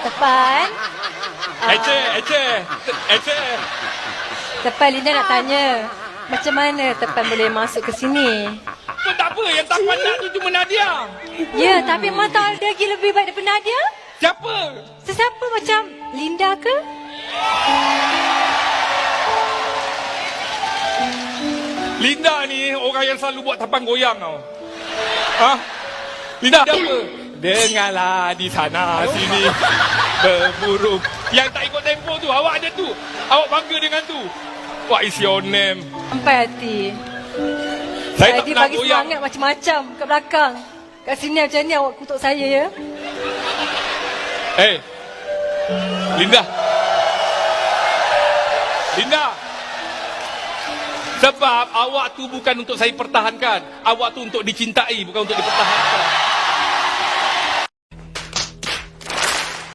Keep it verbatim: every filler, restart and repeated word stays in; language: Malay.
Tepan. Ece, Ece, Ece. Tepan, Linda nak tanya. Macam mana Tepan boleh masuk ke sini? Apa tak apa, yang tak pandang tu cuma Nadia. Ya, tapi Mak tahu dia lagi lebih baik daripada Nadia. Siapa? Sesiapa macam Linda ke? Linda ni orang yang selalu buat tapan goyang tau. Ha? Linda apa? Dengarlah di sana sini berburu. Yang tak ikut tempo tu, awak ada tu. Awak bangga dengan tu. What is your name? Sampai hati. Saya tak Dia pernah bagi goyang. semangat macam-macam kat belakang. Kat sini macam ni awak kutuk saya ya. Eh, Linda. Linda. Sebab awak tu bukan untuk saya pertahankan. Awak tu untuk dicintai, bukan untuk dipertahankan.